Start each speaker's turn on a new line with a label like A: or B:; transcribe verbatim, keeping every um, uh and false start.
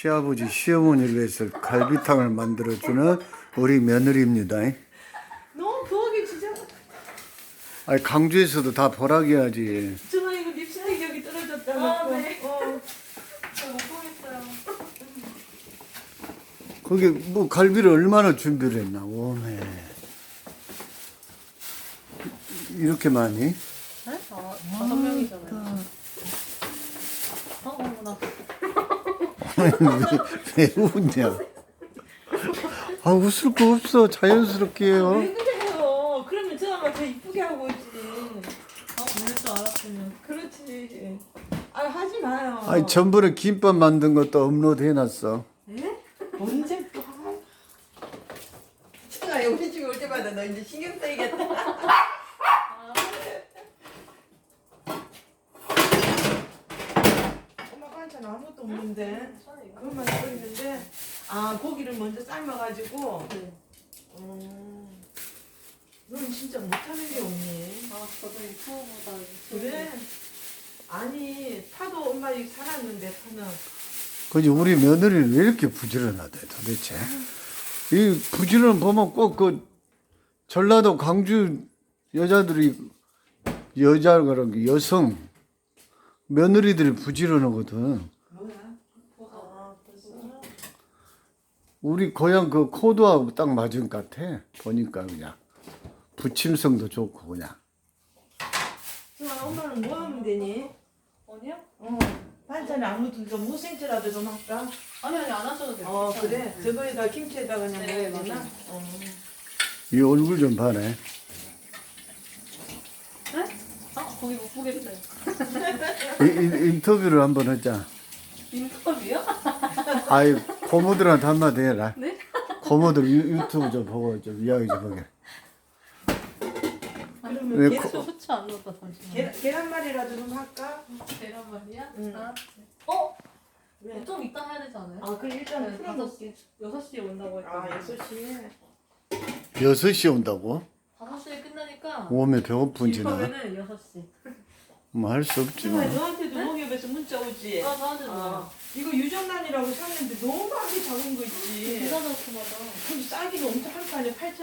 A: 시아버지 시어머니를 위해서 갈비탕을 만들어주는 우리 며느리입니다.
B: 너무 부엌이 진짜.
A: 아니 강주에서도 다 보라기야지.
B: 정말 이거 립스틱 여기 떨어졌다.
C: 아,
B: 놓고.
C: 네.
B: 어.
C: 저못 보겠어요.
A: 거기 뭐 갈비를 얼마나 준비를 했나. 오메. 이렇게 많이?
C: 네? 아, 다섯 명이잖아요. 어, 어머나.
A: 왜 웃냐? 아 웃을 거 없어. 자연스럽게 해요.
B: 왜 그래요? 그러면 저 아마 더 이쁘게 하고 있지.
C: 아, 그럴 줄 알았으면.
B: 그렇지. 아 하지 마요.
A: 아니 전번에 김밥 만든 것도 업로드 해놨어.
B: 예? 언제 또? 제가 우리 집에 올 때마다 너 이제 신경 쓰이겠다. 엄마 반찬 아무것도 없는데 그것만 써 있는데 아 고기를 먼저 삶아가지고.
C: 네.
B: 음. 넌 진짜 못하는 게 없니?
C: 아, 저도 유튜브보다
B: 그래? 아니 파도 엄마 이 살았는데 파는.
A: 그지 우리 며느리는 왜 이렇게 부지런하대 도대체? 이 부지런 보면 꼭 그 전라도 광주 여자들이 여자가 여성 며느리들이 부지런하거든.
B: 뭐야? 아 벌써?
A: 우리 고향 그 코드하고 딱 맞은 것 같아. 보니까 그냥 부침성도 좋고 그냥.
B: 저 엄마는 뭐 하면 되니?
C: 아니요?
B: 어 반찬에 아무튼 좀 무생채라도 좀 할까?
C: 아니, 아니, 안 하셔도 돼요.
B: 어
C: 괜찮아요.
B: 그래? 저거에다 김치에다 그냥
C: 네,
B: 먹어야 되나?
C: 맞아요.
B: 어.
A: 이 얼굴 좀 봐네.
C: 네? 아, 거기 못 보겠어요.
A: 이, 이, 인터뷰를 한번 하자.
C: 인터뷰요?
A: 아이 고모들한테 한마디 해라.
C: 네?
A: 고모들 유, 유튜브 좀 보고 좀 이야기 좀 하게.
B: 그러면
A: 왜
B: 계란,
A: 코-
C: 후추 안 넣었다, 잠시만요.
B: 계란, 계란말이라도 좀 할까?
C: 계란말이야?
B: 응.
C: 아, 어?
B: 왜?
C: 좀 이따 해야 되지 않아요?
B: 아 그럼 일단
C: 네,
B: 풀어놓을게.
C: 다섯 시, 여섯 시에 온다고
B: 아
C: 했거든요.
B: 여섯 시에
A: 여섯 시에 온다고?
C: 다섯 시에 끝나니까
A: 오메 배고픈지 나.
C: 이번에는 여섯 시.
A: 뭐 할 수 없지 뭐.
B: 정말 너한테도 농협에서 문자 오지?
C: 아, 저한테
B: 아,
C: 아.
B: 이거 유정란이라고 샀는데 너무 하기 작은 거 있지.
C: 비싸졌구나.
B: 근데 싸기는 엄청 한 판에 팔천